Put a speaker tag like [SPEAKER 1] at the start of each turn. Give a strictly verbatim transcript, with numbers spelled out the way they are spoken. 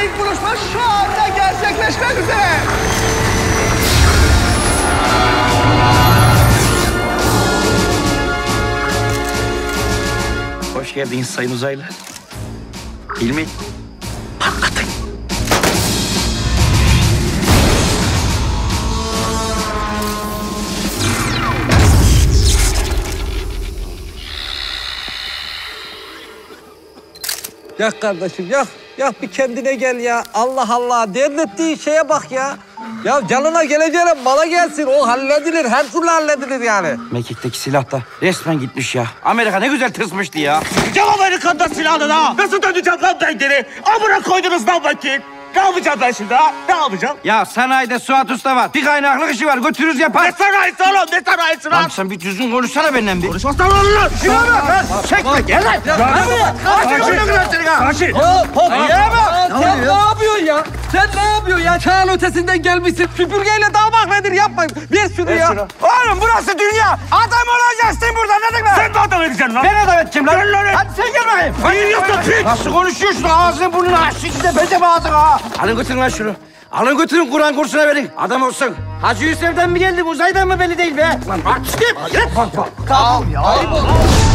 [SPEAKER 1] ilk buluşma şu anda gerçekleşmek üzere.
[SPEAKER 2] Hoş geldiniz Sayın Uzaylı. Hilmi, patlatın.
[SPEAKER 3] Yak kardeşim, yak. Yak bir kendine gel ya. Allah Allah, dert ettiğin şeye bak ya. Ya canına geleceğine mala gelsin. O halledilir, her türlü halledilir yani.
[SPEAKER 2] Mekik'teki silah da resmen gitmiş ya. Amerika ne güzel tırsmıştı ya.
[SPEAKER 4] Sıkacağım Amerika'da silahını ha. Nasıl döneceğim lan ben geri? Amına koydunuz lan vakit. Ne yapacağım ben şimdi ha? Ne yapacağım?
[SPEAKER 2] Ya sanayide Suat Usta var. Bir kaynaklık işi var. Götürürüz yapar.
[SPEAKER 4] Ne sanayisi oğlum? Ne sanayisi lan?
[SPEAKER 2] Lan sen bir düzgün konuşsana benden bir.
[SPEAKER 4] Konuşmazsan olur lan.
[SPEAKER 2] Şuna bak. Çekme gel lan. Gel buraya.
[SPEAKER 4] Sakin.
[SPEAKER 3] Ya hop.
[SPEAKER 2] Ya bak.
[SPEAKER 3] Sen ne yapıyorsun ya? Sen ne yapıyorsun ya? Çağın ötesinden gelmişsin. Süpürgeyle dağmak nedir? Yapmayın. Ver şunu ya.
[SPEAKER 2] Oğlum burası dünya. Adam olacaksın burada anladın mı?
[SPEAKER 4] Sen de adam edeceksin lan.
[SPEAKER 2] Ben adam edeceğim lan.
[SPEAKER 4] Gel lan.
[SPEAKER 2] Hadi sen gel bakayım.
[SPEAKER 4] Yiyorsun piç.
[SPEAKER 2] Nasıl konuşuyorsun? Ağzını burnunu aç. Şimdi de bence ağzını ha. Alın götürün lan şunu. Alın götürün Kur'an kursuna verin. Adam olsun. Hacı Yusuf'dan mı geldim uzaydan mı belli değil be. Lan aç git. Git.
[SPEAKER 1] Tamam ya.